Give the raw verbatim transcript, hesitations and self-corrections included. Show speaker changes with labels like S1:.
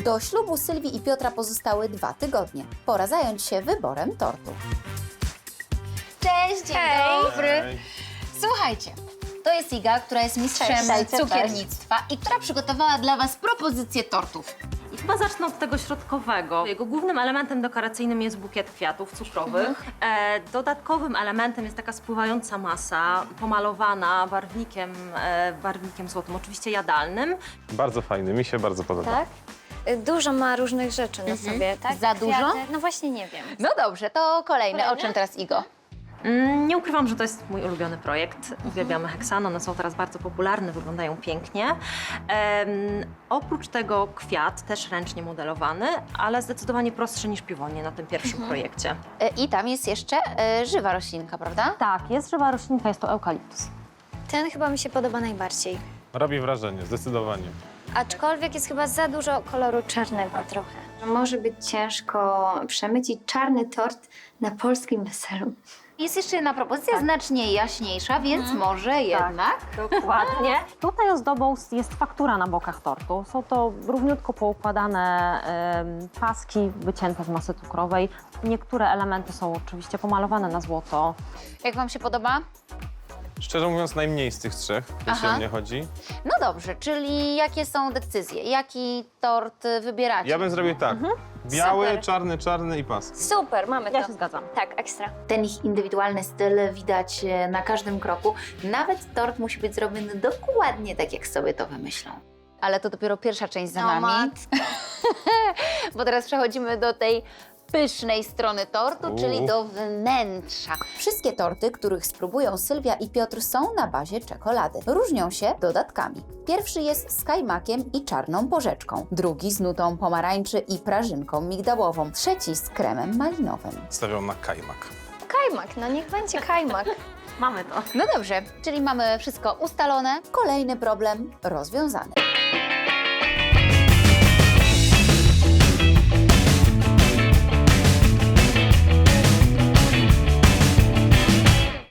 S1: Do ślubu Sylwii i Piotra pozostały dwa tygodnie. Pora zająć się wyborem tortu. Cześć, dzień
S2: Hej.
S1: dobry.
S3: Hej.
S1: Słuchajcie, to jest Iga, która jest mistrzem
S2: Cześć.
S1: cukiernictwa i która przygotowała dla Was propozycję tortów.
S2: I chyba zacznę od tego środkowego. Jego głównym elementem dekoracyjnym jest bukiet kwiatów cukrowych. E, dodatkowym elementem jest taka spływająca masa, pomalowana barwnikiem, e, barwnikiem złotym, oczywiście jadalnym.
S3: Bardzo fajny, mi się bardzo podoba.
S4: Tak? Y, Dużo ma różnych rzeczy na sobie, tak?
S1: Za dużo?
S4: Kwiaty. No właśnie nie wiem.
S1: No dobrze, to kolejne. O
S4: Kolejne?
S1: czym teraz, Igo?
S2: Mm, nie ukrywam, że to jest mój ulubiony projekt. Uwielbiamy heksany, one są teraz bardzo popularne, wyglądają pięknie. Em, oprócz tego kwiat, też ręcznie modelowany, ale zdecydowanie prostszy niż piwonie na tym pierwszym projekcie.
S1: E, I tam jest jeszcze e, żywa roślinka, prawda?
S2: Tak, jest żywa roślinka, jest to eukaliptus.
S4: Ten chyba mi się podoba najbardziej.
S3: Robi wrażenie, zdecydowanie.
S4: Aczkolwiek jest chyba za dużo koloru czarnego trochę. Może być ciężko przemycić czarny tort na polskim weselu.
S1: Jest jeszcze jedna propozycja, znacznie jaśniejsza, więc może jednak...
S2: Dokładnie. Tutaj ozdobą jest faktura na bokach tortu. Są to równiutko poukładane em, paski wycięte z masy cukrowej. Niektóre elementy są oczywiście pomalowane na złoto.
S1: Jak Wam się podoba?
S3: Szczerze mówiąc, najmniej z tych trzech, jeśli
S1: Aha.
S3: o mnie chodzi.
S1: No dobrze, czyli jakie są decyzje? Jaki tort y, wybieracie?
S3: Ja bym zrobił tak. Biały,
S4: Super.
S3: czarny, czarny i pas.
S4: Super, mamy
S2: Ja
S4: to.
S2: się zgadzam.
S4: Tak, ekstra.
S1: Ten ich indywidualny styl widać e, na każdym kroku. Nawet tort musi być zrobiony dokładnie tak, jak sobie to wymyślą. Ale to dopiero pierwsza część za
S4: No,
S1: nami,
S4: matko.
S1: bo teraz przechodzimy do tej pysznej strony tortu,
S3: Uuu.
S1: czyli do wnętrza. Wszystkie torty, których spróbują Sylwia i Piotr, są na bazie czekolady. Różnią się dodatkami. Pierwszy jest z kajmakiem i czarną porzeczką, drugi z nutą pomarańczy i prażynką migdałową, trzeci z kremem malinowym.
S3: Stawiam na kajmak.
S4: Kajmak, no niech będzie kajmak.
S2: Mamy to.
S1: No dobrze, czyli mamy wszystko ustalone. Kolejny problem rozwiązany.